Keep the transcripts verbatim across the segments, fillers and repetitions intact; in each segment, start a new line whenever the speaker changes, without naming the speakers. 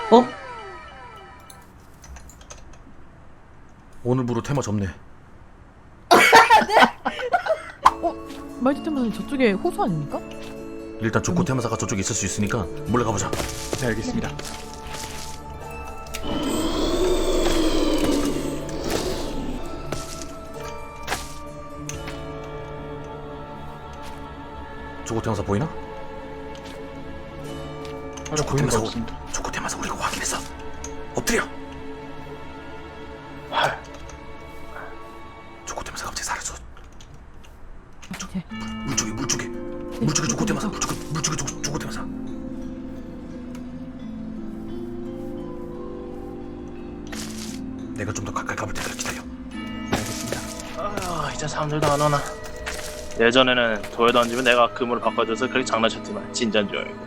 어?
오늘부로 테마 접네.
어? 말티 테마는 저쪽에 호수 아닙니까?
일단 조코 테마사가 저쪽에 있을 수 있으니까 몰래 가보자.
네, 알겠습니다.
조코 테마사 보이나?
아,
조코
보이는 거
테마사
없습니다.
조코 테마사 우리가 확인했어. 엎드려.
아,
조코 테마사 갑자기 사라져.
네.
물 쪽에 물 쪽에 물 쪽에 조코 테마사 물 쪽에 물 쪽에 조코 조코 테마사. 내가 좀 더 가까이 가볼 테니까 기다려.
알겠습니다.
아, 이제 사람들도 안 오나. 예전에는 돌 던지면 내가 금으로 바꿔줘서 그렇게 장난쳤지만 진짠 줄 알고.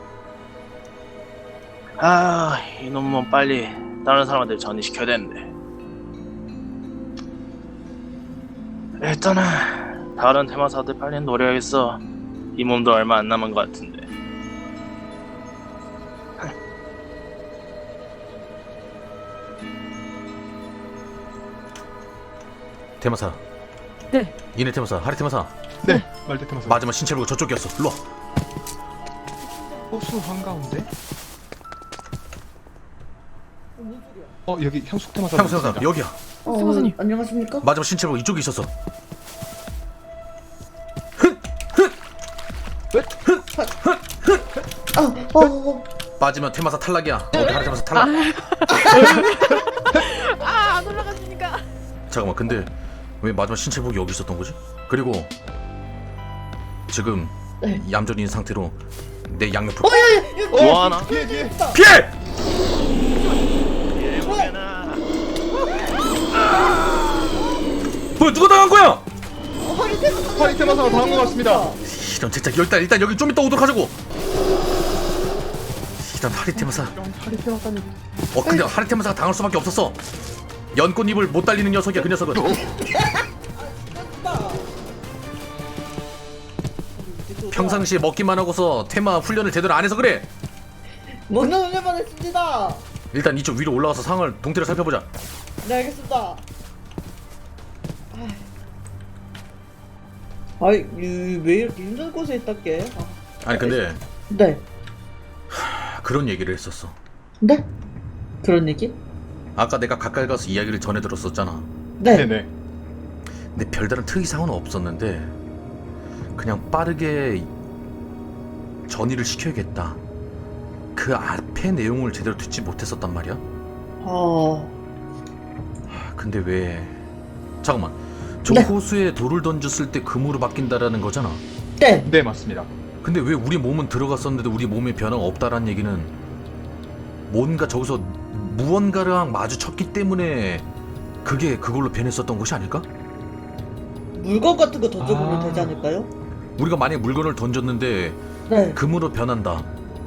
아, 이놈은 빨리 다른 사람한테 전이시켜야 되는데. 일단은 다른 테마사들 빨리 노려야겠어. 이 몸도 얼마 안 남은 것 같은데.
테마사.
네.
이네 테마사, 하리 테마사.
네, 말대 테마사.
마지막 신체 보고 저쪽이었어. 일로 와.
호수 한가운데? 어, 여기 향수 테마사.
향수 테마사 여기야.
어,
수고사님.
안녕하십니까?
마지막 신체 보고 이쪽에 있었어.
아, 어, 어,
빠지면 테마사 탈락이야. 어, 하리 테마사 탈락.
아, 안 올라가시니까.
잠깐만, 근데 왜 마지막 신체복이 여기 있었던 거지? 그리고 지금
네.
얌전히 있는 상태로 내 양옆으로
어, 야, 야, 야,
뭐하나?
뒤에, 뒤에.
피해!
예보게나.
뭐야, 누가 당한 거야?
어, 허리 테마사.
허리 테마사가 당한 것 같습니다.
이런 진짜 일단 일단 여기 좀 이따 오도록 하자고. 일단 하리 테마사.
하리 테마사님.
어, 근데 하리 테마사가 당할 수밖에 없었어. 연꽃잎을 못 달리는 녀석이야, 그 녀석은. 평상시에 먹기만 하고서 테마 훈련을 제대로 안 해서 그래.
먹는 훈련만 했습니다.
일단 이쪽 위로 올라가서 상황을 동태를 살펴보자.
네, 알겠습니다. 아이, 이, 왜 이렇게 힘든 곳에 있다께? 아,
아니 근데
네.
그런 얘기를 했었어.
네? 그런 얘기?
아까 내가 가까이 가서 이야기를 전해 들었었잖아.
네.
네네.
근데 별다른 특이사항은 없었는데 그냥 빠르게 전이를 시켜야겠다. 그 앞에 내용을 제대로 듣지 못했었단 말이야.
아,
근데 왜 잠깐만 저
네.
호수에 돌을 던졌을 때 금으로 바뀐다라는 거잖아.
네.
네, 맞습니다.
근데 왜 우리 몸은 들어갔었는데 우리 몸에 변화가 없다라는 얘기는 뭔가 저기서 무언가랑 마주쳤기 때문에 그게 그걸로 변했었던 것이 아닐까?
물건 같은 거 던져보면
아.
되지 않을까요?
우리가 만약에 물건을 던졌는데
네.
금으로 변한다.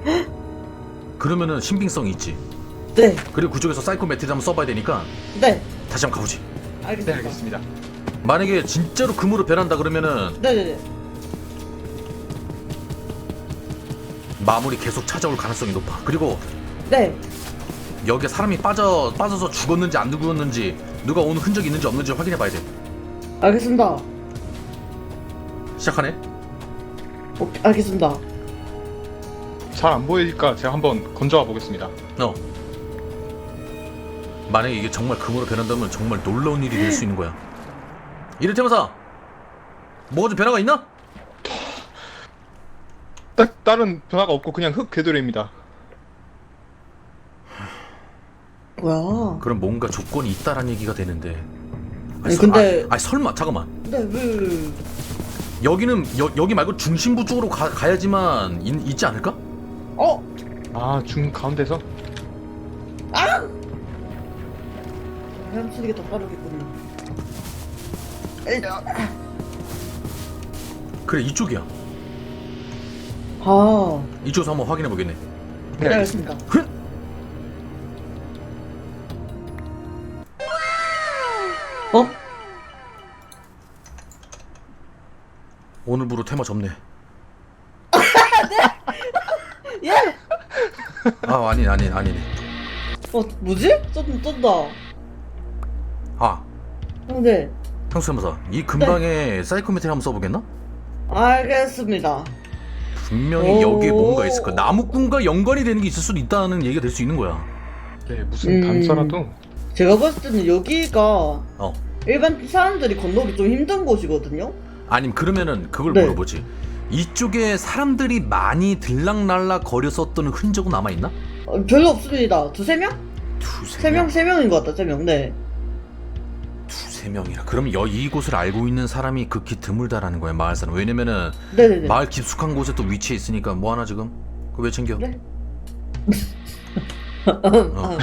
그러면은 신빙성이 있지.
네.
그리고 그쪽에서 사이코매트리 한번 써봐야 되니까
네.
다시 한번 가보지.
네,
알겠습니다.
알겠습니다.
만약에 진짜로 금으로 변한다 그러면은
네네네.
마물이 계속 찾아올 가능성이 높아. 그리고
네.
여기에 사람이 빠져 빠져서 죽었는지 안 죽었는지 누가 온 흔적이 있는지 없는지 확인해봐야 돼.
알겠습니다.
시작하네.
오, 알겠습니다.
잘 안 보이니까 제가 한번 건져와 보겠습니다.
어. 만약에 이게 정말 금으로 변한다면 정말 놀라운 일이 될 수 있는 거야. 이를테면서 뭐가 좀 변화가 있나?
딱 다른 변화가 없고 그냥 흙 궤도래입니다.
뭐야?
그럼 뭔가 조건이 있다란 얘기가 되는데.
아니,
서-
근데-
아, 아니 설마 잠깐만.
네, 왜, 왜, 왜.
여기는 여, 여기 말고 중심부 쪽으로 가, 가야지만 있, 있지 않을까?
어?
아, 중 가운데서?
헤엄치는 게 더 빠르겠군요. 에이,
그래 이쪽이야.
아,
이쪽에서 한번 확인해 보겠네.
네,
네,
알겠습니다.
알겠습니다. 어?
오늘부로 테마 접네.
예?
아 아니 아니 아니네.
어 뭐지? 쩐 쩐다.
아,
어, 네.
형수님사 이 근방에 사이코메트리 한번 써보겠나?
알겠습니다.
분명히
오.
여기에 뭔가 있을 거야. 나무꾼과 연관이 되는 게 있을 수도 있다는 얘기가 될 수 있는 거야.
네, 무슨
음.
단서라도.
제가 봤을 때는 여기가
어.
일반 사람들이 건너기 좀 힘든 곳이거든요.
아니면 그러면은 그걸
네.
물어보지. 이쪽에 사람들이 많이 들락날락 거렸었던 흔적은 남아있나?
어, 별로 없습니다. 두세 명?
두세
세 명,
명?
세 명인 것 같다. 세 명. 네.
두세 명이라. 그럼 여, 이곳을 알고 있는 사람이 극히 드물다라는 거야, 마을 사람. 왜냐면은
네네네.
마을 깊숙한 곳에 또 위치해 있으니까 뭐 하나 지금? 그거 왜 챙겨?
네.
어.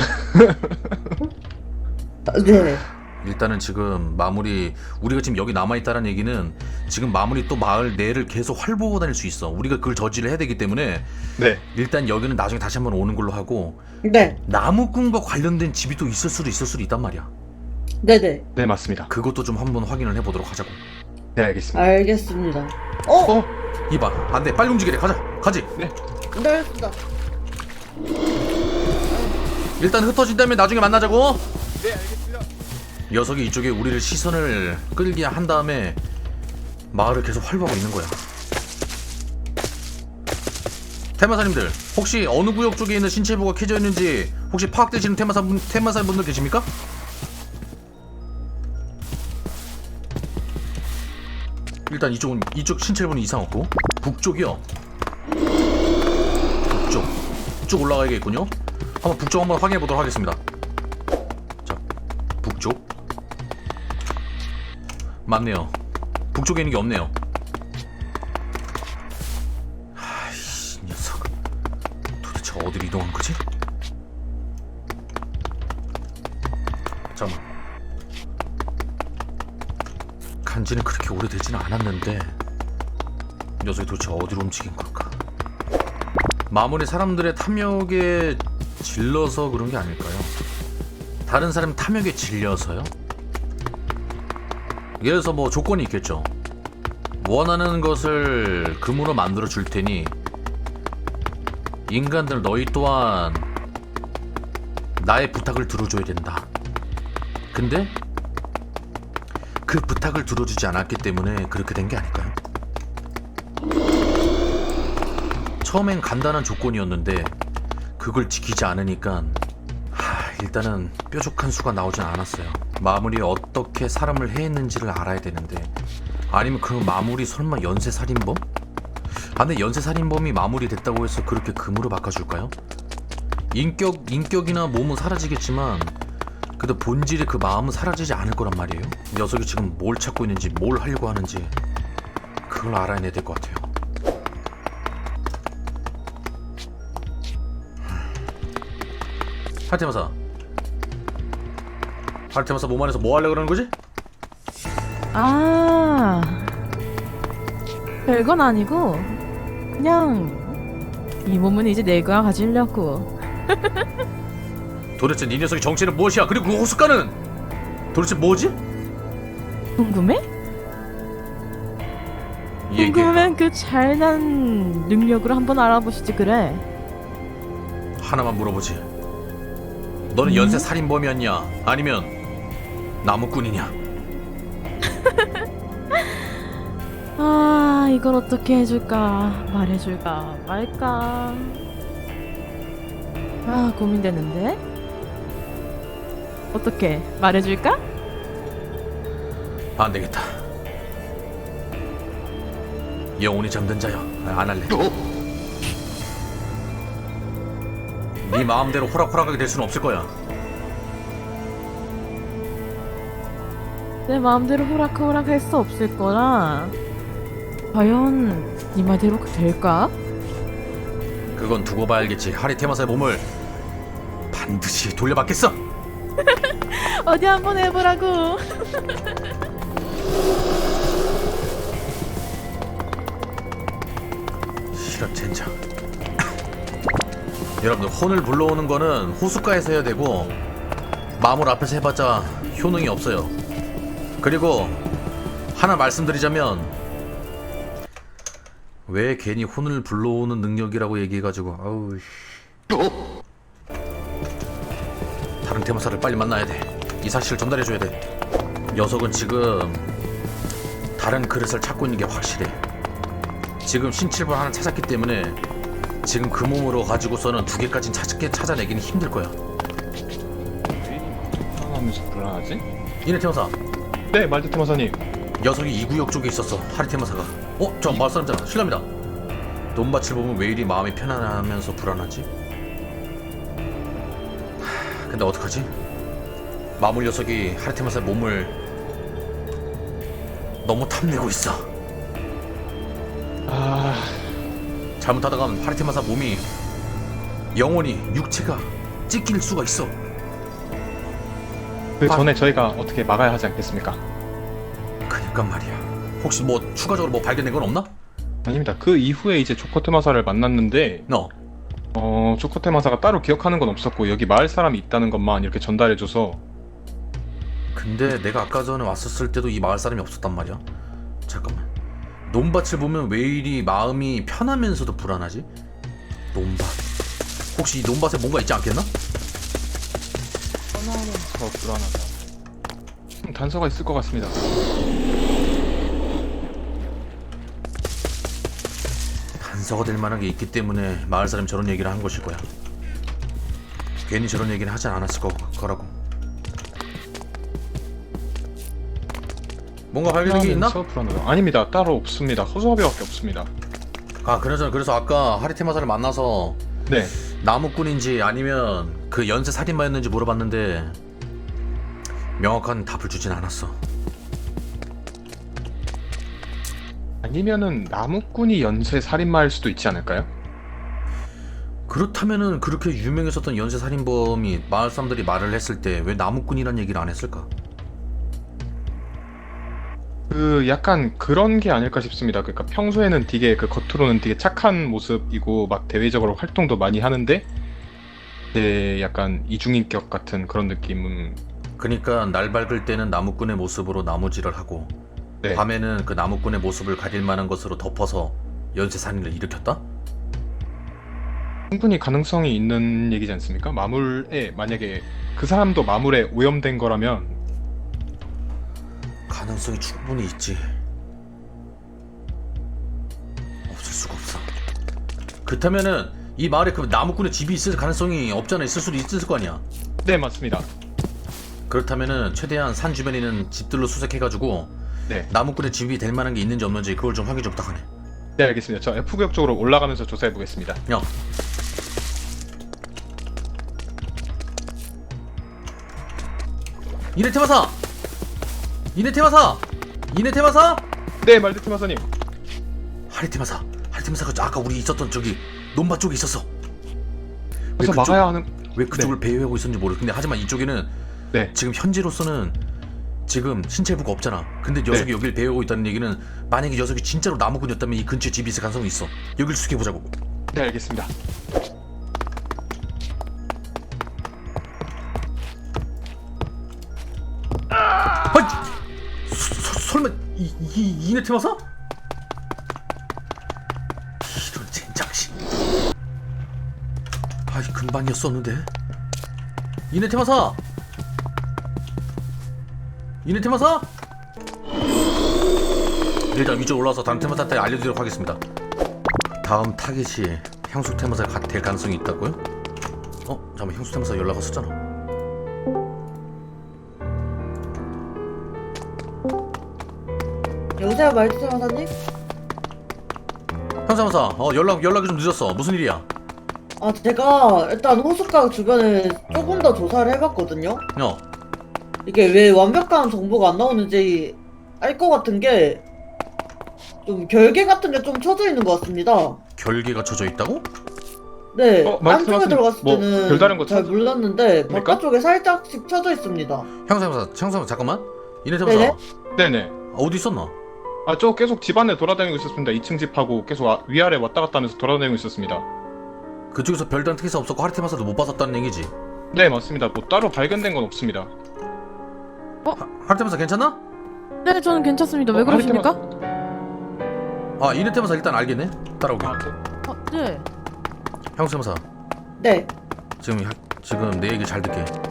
아, 네.
일단은 지금 마무리, 우리가 지금 여기 남아있다는 얘기는 지금 마무리 또 마을 내를 계속 활보고 다닐 수 있어. 우리가 그걸 저지를 해야 되기 때문에
네.
일단 여기는 나중에 다시 한번 오는 걸로 하고,
네.
나무꾼과 관련된 집이 또 있을 수도 있을 수도 있단 말이야.
네네.
네, 맞습니다.
그것도 좀 한번 확인을 해보도록 하자고.
네, 알겠습니다.
알겠습니다. 어?
어?
이봐, 안돼, 빨리 움직이래. 가자, 가지.
네, 알겠습니다.
일단 흩어진 다음에 나중에 만나자고.
네, 알겠습니다.
녀석이 이쪽에 우리를 시선을 끌게 한 다음에 마을을 계속 활보하고 있는 거야. 테마사님들, 혹시 어느 구역 쪽에 있는 신체부가 켜져 있는지 혹시 파악되시는 테마사 분, 테마사 분들 계십니까? 일단 이쪽은 이쪽 신체부는 이상 없고, 북쪽이요. 북쪽, 쭉 올라가야겠군요. 한번 북쪽 한번 확인해 보도록 하겠습니다. 자, 북쪽. 맞네요. 북쪽에 있는 게 없네요. 아이씨, 녀석. 도대체 어디로 이동한 거지? 잠깐만. 간지는 그렇게 오래되지는 않았는데 녀석이 도대체 어디로 움직인 걸까? 마무리 사람들의 탐욕에 질러서 그런 게 아닐까요? 다른 사람 탐욕에 질려서요? 예를 들어서 뭐 조건이 있겠죠. 원하는 것을 금으로 만들어 줄 테니 인간들 너희 또한 나의 부탁을 들어줘야 된다. 근데 그 부탁을 들어주지 않았기 때문에 그렇게 된 게 아닐까요? 처음엔 간단한 조건이었는데 그걸 지키지 않으니까 하, 일단은 뾰족한 수가 나오진 않았어요. 마무리 어떻게 사람을 해했는지를 알아야 되는데, 아니면 그 마무리 설마 연쇄살인범? 아, 근데 연쇄살인범이 마무리됐다고 해서 그렇게 금으로 바꿔줄까요? 인격, 인격이나 몸은 사라지겠지만 그래도 본질의 그 마음은 사라지지 않을 거란 말이에요. 녀석이 지금 뭘 찾고 있는지 뭘 하려고 하는지 그걸 알아내야 될 것 같아요. 하르테마사, 하르테마사 몸 안에서 뭐 하려고 그러는 거지?
아, 별건 아니고 그냥 이 몸은 이제 내가 가지려고.
도대체 네 녀석의 정체는 무엇이야? 그리고 그 호숫가는 도대체 뭐지?
궁금해?
얘기해봐.
궁금하면 그 잘난 능력으로 한번 알아보시지 그래.
하나만 물어보지. 너는
음?
연쇄 살인범이었냐? 아니면 나무꾼이냐?
아, 이걸 어떻게 해줄까? 말해줄까? 말까? 아, 고민되는데? 어떻게? 말해줄까?
안 되겠다. 영혼이 잠든 자여, 안 할래. 네 마음대로 호락호락하게 될 수는 없을 거야.
내 마음대로 호락호락 할 수 없을 거라. 과연 네 말대로 될까?
그건 두고 봐야 알겠지. 하리테마사의 몸을 반드시 돌려받겠어.
어디 한번 해보라고.
실험 젠장. 여러분들, 혼을 불러오는 거는 호숫가에서 해야 되고 마물 앞에서 해봤자 효능이 없어요. 그리고 하나 말씀드리자면, 왜 괜히 혼을 불러오는 능력이라고 얘기해가지고 아우 씨. 다른 테마사를 빨리 만나야 돼. 이 사실을 전달해줘야 돼. 녀석은 지금 다른 그릇을 찾고 있는 게 확실해. 지금 신칠분 하나 찾았기 때문에 지금 그 몸으로 가지고서는 두 개까지는 찾게 찾아내기는 힘들 거야.
하면서 불안하지?
이네 테마사,
네, 말드 테마사님.
녀석이 이 구역 쪽에 있었어. 하리 테마사가. 어? 저 마을 사람잖아. 실례합니다. 논밭을 보면 왜 이리 마음이 편안하면서 불안하지? 하, 근데 어떡하지? 마물 녀석이 하리 테마사의 몸을 너무 탐내고 있어.
아,
잘못하다간 하리 테마사 몸이 영원히 육체가 찢길 수가 있어.
그 전에 저희가 어떻게 막아야 하지 않겠습니까?
그니까 말이야. 혹시 뭐 추가적으로 뭐 발견된 건 없나?
아닙니다. 그 이후에 이제 조커테마사를 만났는데
너
어, 조커테마사가 따로 기억하는 건 없었고 여기 마을 사람이 있다는 것만 이렇게 전달해줘서.
근데 내가 아까 전에 왔었을 때도 이 마을 사람이 없었단 말이야. 잠깐만. 논밭을 보면 왜 이리 마음이 편하면서도 불안하지? 논밭. 혹시 이 논밭에 뭔가 있지 않겠나?
더 불안하다. 음, 단서가 있을 것 같습니다.
단서가 될 만한 게 있기 때문에 마을 사람이 저런 얘기를 한 것일 거야. 괜히 저런 얘기는 하지 않았을 거, 거라고. 뭔가 발견된 게 있나?
불안하면서 불안하다. 아닙니다. 따로 없습니다. 허수아비밖에 없습니다.
아, 그나저나 그래서 아까 하리테마사를 만나서
네.
나무꾼인지 아니면 그 연쇄 살인마였는지 물어봤는데 명확한 답을 주진 않았어.
아니면은 나무꾼이 연쇄 살인마일 수도 있지 않을까요?
그렇다면은 그렇게 유명했었던 연쇄 살인범이 마을 사람들이 말을 했을 때 왜 나무꾼이란 얘기를 안 했을까?
그 약간 그런 게 아닐까 싶습니다. 그러니까 평소에는 되게 그 겉으로는 되게 착한 모습이고 막 대외적으로 활동도 많이 하는데 네, 약간 이중인격 같은 그런 느낌은.
그러니까 날 밝을 때는 나무꾼의 모습으로 나무질을 하고
네.
밤에는 그 나무꾼의 모습을 가릴 만한 것으로 덮어서 연쇄 살인을 일으켰다?
충분히 가능성이 있는 얘기지 않습니까? 마물에 만약에 그 사람도 마물에 오염된 거라면
가능성이 충분히 있지. 없을 수가 없어. 그렇다면은 이 마을에 그 나무꾼의 집이 있을 가능성이 없잖아. 있을 수도 있을 거 아니야.
네, 맞습니다.
그렇다면은 최대한 산 주변에 있는 집들로 수색해가지고
네.
나무꾼의 집이 될 만한 게 있는지 없는지 그걸 좀 확인 좀 부탁하네.
네, 알겠습니다. 저 F구역 쪽으로 올라가면서 조사해 보겠습니다.
야. 이네 테마사! 이네 테마사! 이네 테마사!
네, 말드 테마사님.
하리 테마사! 하리 테마사가 아까 우리 있었던 저기 논밭 쪽에 있었어.
그래서
그쪽-
막아야 하는.
왜 그쪽을 배회하고 있었는지 모르. 근데 하지만 이쪽에는
네.
지금 현재로서는 지금 신체부가 없잖아. 근데 녀석이
네.
여길 배회하고 있다는 얘기는 만약에 녀석이 진짜로 나무꾼이었다면 이 근처에 집이 있을 가능성이 있어. 여길 수색해보자고.
네, 알겠습니다.
아이! 서, 서, 설마 이, 이, 이네 테마사? 이런 젠장씨. 아이 금방이었었는데. 이네 테마사! 이네 테마사? 일단 위쪽 올라와서 다른 테마사한테 알려드리도록 하겠습니다. 다음 타겟이 향수 테마사가 될 가능성이 있다고요? 어? 잠깐만, 향수 테마사 연락 왔었잖아.
여보세요, 말투 사장님?
향수 테마사, 어 연락 연락이 좀 늦었어. 무슨 일이야?
아, 제가 일단 호숫가 주변을 조금 더 조사를 해봤거든요.
어.
이게 왜 완벽한 정보가 안 나오는지 알 것 같은 게 좀 결계 같은 게 좀 쳐져 있는 것 같습니다.
결계가 쳐져 있다고?
네,
어,
안쪽에
말씀하신
들어갔을
뭐
때는
별다른 거
잘
찾-
몰랐는데
뭡니까?
바깥쪽에 살짝씩 쳐져 있습니다.
향수 테마사, 향수 테마사 잠깐만. 이네 테마사
네네.
네네.
어디 있었나?
아, 저 계속 집 안에 돌아다니고 있었습니다. 이 층 집하고 계속 아, 위아래 왔다 갔다 하면서 돌아다니고 있었습니다.
그쪽에서 별다른 특이사 없었고 하리 테마사도 못 봤었다는 얘기지?
네, 맞습니다. 뭐 따로 발견된 건 없습니다.
하리 테마사 괜찮나?
네, 저는 괜찮습니다. 왜
어, 하리
그러십니까?
테마-
아 이네 테마사 일단 알겠네. 따라오게.
아, 네.
어, 네.
향수 테마사
네.
지금 하- 지금 내 얘기 잘 듣게.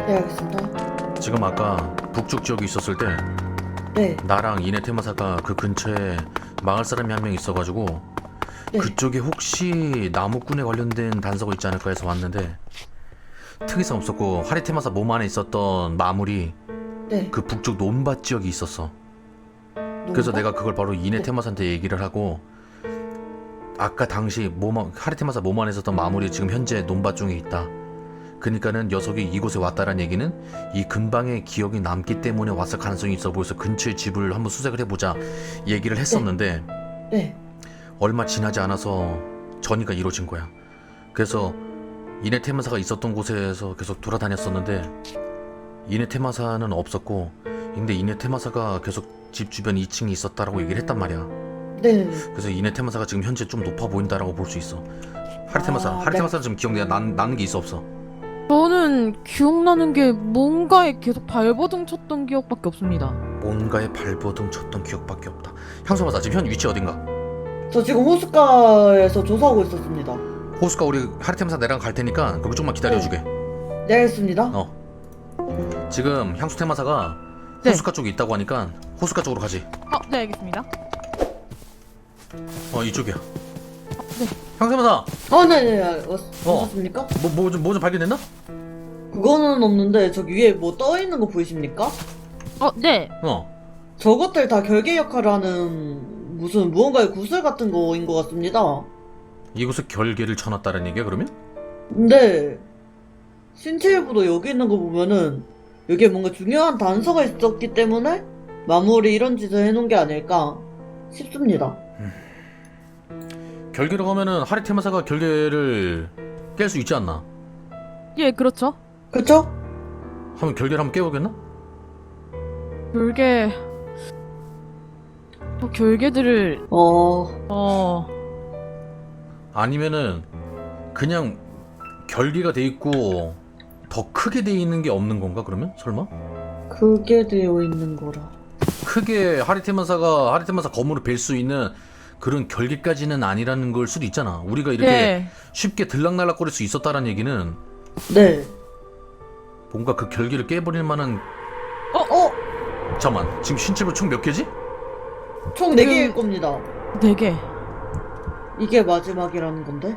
네, 알겠습니다.
지금 아까 북쪽 지역에 있었을 때
네,
나랑 이네 테마사가 그 근처에 마을 사람이 한 명 있어가지고
네.
그쪽에 혹시 나무꾼에 관련된 단서가 있지 않을까 해서 왔는데 특이성 없었고 하리 테마사 몸 안에 있었던 마물이
네.
그 북쪽 논밭 지역이 있었어. 그래서
논밭?
내가 그걸 바로 이네
네.
테마사한테 얘기를 하고 아까 당시 몸, 하리 테마사 몸 안에 있었던 마물이 지금 현재 논밭 중에 있다. 그러니까는 녀석이 이곳에 왔다라는 얘기는 이 근방에 기억이 남기 때문에 왔을 가능성이 있어 보여서 근처의 집을 한번 수색을 해보자 얘기를 했었는데
네.
얼마 지나지 않아서 전이가 이루어진 거야. 그래서 이네 테마사가 있었던 곳에서 계속 돌아다녔었는데 이네 테마사는 없었고 근데 이네 테마사가 계속 집 주변 이 층에 있었다라고 얘기를 했단 말이야.
네.
그래서 이네 테마사가 지금 현재 좀 높아 보인다라고 볼 수 있어. 하리 테마사,
아,
하리
네.
테마사는 지금 기억 나는 나는 게 있어 없어?
저는 기억나는 게 뭔가에 계속 발버둥 쳤던 기억밖에 없습니다.
뭔가에 발버둥 쳤던 기억밖에 없다. 향수마사 지금 현 위치 어딘가?
저 지금 호숫가에서 조사하고 있었습니다.
호수가 우리 하리 테마사 내랑 갈 테니까 거기 좀만 기다려주게.
네, 알겠습니다.
어. 지금 향수 테마사가
네.
호수가 쪽에 있다고 하니까 호수가 쪽으로 가지.
어, 네, 알겠습니다.
어 이쪽이야.
네.
향수 테마사
아, 네네. 왔,
어.
왔습니까?
뭐뭐 좀 뭐 좀 발견됐나?
그거는 없는데 저기 위에 뭐 떠 있는 거 보이십니까?
어, 네.
어.
저것들 다 결계 역할을 하는 무슨 무언가의 구슬 같은 거인 것 같습니다.
이곳에 결계를 쳐놨다는 얘기야 그러면?
근데 신체 일부도 여기 있는 거 보면은 여기에 뭔가 중요한 단서가 있었기 때문에 마무리 이런 짓을 해놓은 게 아닐까 싶습니다.
결계로 가면은 하리 테마사가 결계를 깰 수 있지 않나?
예, 그렇죠.
그쵸?
하면 결계를 한번 깨보겠나?
결계... 저 결계들을...
어...
어...
아니면은 그냥 결계가 돼 있고 더 크게 돼 있는 게 없는 건가 그러면? 설마?
그게 되어 있는 거라.
크게 하리테마사가 하리테마사 검으로 뵐 수 있는 그런 결계까지는 아니라는 걸 수도 있잖아. 우리가 이렇게
네.
쉽게 들락날락거릴 수 있었다는 얘기는
네.
뭔가 그 결계를 깨버릴 만한.
어?
잠깐만 지금 신체부 총 몇 개지?
총 네 개일 겁니다.
네 개.
이게 마지막이라는 건데?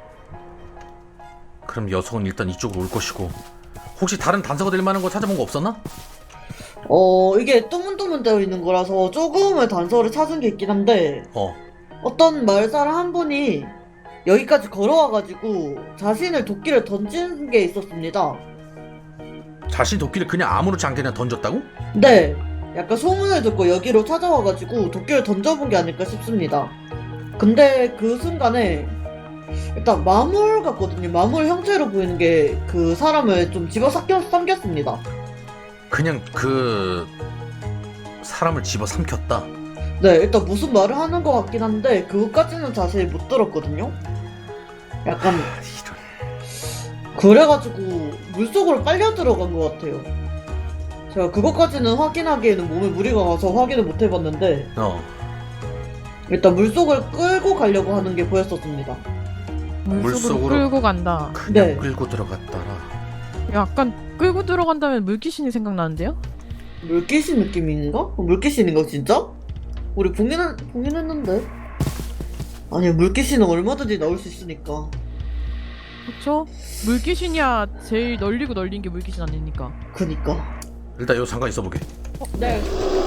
그럼 녀석은 일단 이쪽으로 올 것이고 혹시 다른 단서가 될 만한 거 찾아본 거 없었나?
어... 이게 뜨문뜨문 되어 있는 거라서 조금의 단서를 찾은 게 있긴 한데
어
어떤 마을 사람 한 분이 여기까지 걸어와가지고 자신을 도끼를 던진 게 있었습니다.
자신 도끼를 그냥 아무렇지 않게 그냥 던졌다고?
네, 약간 소문을 듣고 여기로 찾아와가지고 도끼를 던져본 게 아닐까 싶습니다. 근데 그 순간에 일단 마물 같거든요. 마물 형태로 보이는 게 그 사람을 좀 집어삼켰, 삼켰습니다.
그냥 그 사람을 집어삼켰다.
네, 일단 무슨 말을 하는 것 같긴 한데 그것까지는 자세히 못 들었거든요. 약간
아, 이런.
그래가지고 물속으로 빨려 들어간 것 같아요. 제가 그것까지는 확인하기에는 몸에 무리가 가서 확인을 못 해봤는데
어
일단 물속을 끌고 가려고 하는 게 보였었습니다.
물속으로,
물속으로-
끌고 간다.
그냥
네.
끌고 들어갔다라.
약간 끌고 들어간다면 물귀신이 생각나는데요?
물귀신 느낌인가? 어, 물귀신인가 진짜? 우리 봉인, 봉인했는데? 아니 물귀신은 얼마든지 나올 수 있으니까.
그쵸? 물귀신이야 제일 널리고 널린 게 물귀신 아닙니까?
그니까.
일단 여기 잠깐 있어보게.
네.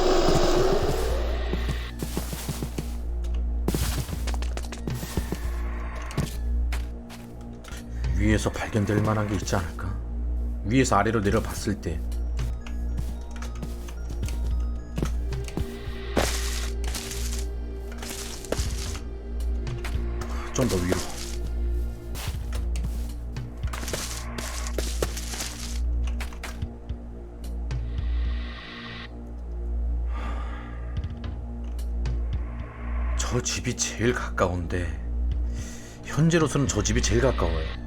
위에서 발견될 만한 게 있지 않을까? 위에서 아래로 내려봤을 때 좀 더 위로. 저 집이 제일 가까운데 현재로서는 저 집이 제일 가까워요.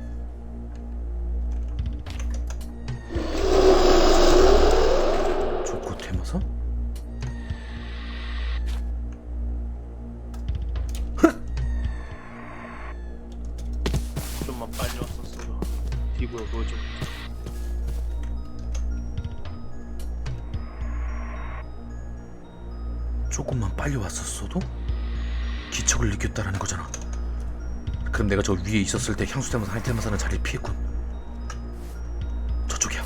조코 테마사?
좀만 빨리 왔었어도 피부에 보여줘.
조금만 빨리 왔었어도 기척을 느꼈다라는 거잖아. 그럼 내가 저 위에 있었을 때 향수 테마사, 할 테마사는 자리를 피했군. 저쪽이야.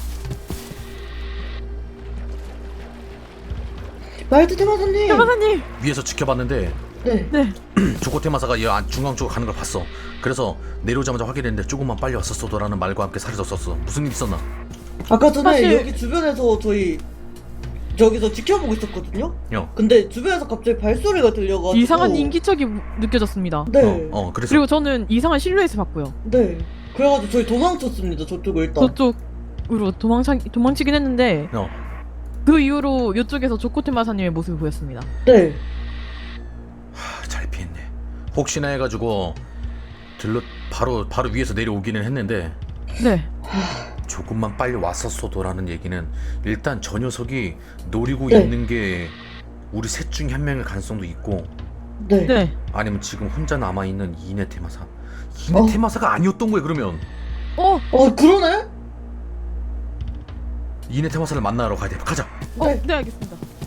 말트 테마사님.
테마사님.
위에서 지켜봤는데
네.
네.
조코 테마사가 이 안- 중앙 쪽으로 가는 걸 봤어. 그래서 내려오자마자 확인했는데 조금만 빨리 왔었어도라는 말과 함께 사라졌었어. 무슨 일 있었나?
아까 전에
사실-
여기 주변에서 저희 저기서 지켜보고 있었거든요.
요.
근데 주변에서 갑자기 발소리가 들려가지고
이상한 인기척이 느껴졌습니다.
네.
어, 어 그래서
그리고 저는 이상한 실루엣을 봤고요.
네. 그래가지고 저희 도망쳤습니다. 저쪽을 일단.
저쪽으로 도망차, 도망치긴 했는데
어.
그 이후로 이쪽에서 조코테마사님의 모습이 보였습니다.
네.
하, 잘 피했네. 혹시나 해가지고 들러 바로 바로 위에서 내려오기는 했는데
네.
조금만 빨리 왔었어도라는 얘기는 일단 저 녀석이 노리고
네.
있는 게 우리 셋 중에 한 명일 가능성도 있고
네.
네.
아니면 지금 혼자 남아있는 이네 테마사 이네
어.
테마사가 아니었던 거야. 그러면
어,
어 그러네?
이네 테마사를 만나러 가야 돼. 가자.
어,
네.
네, 알겠습니다.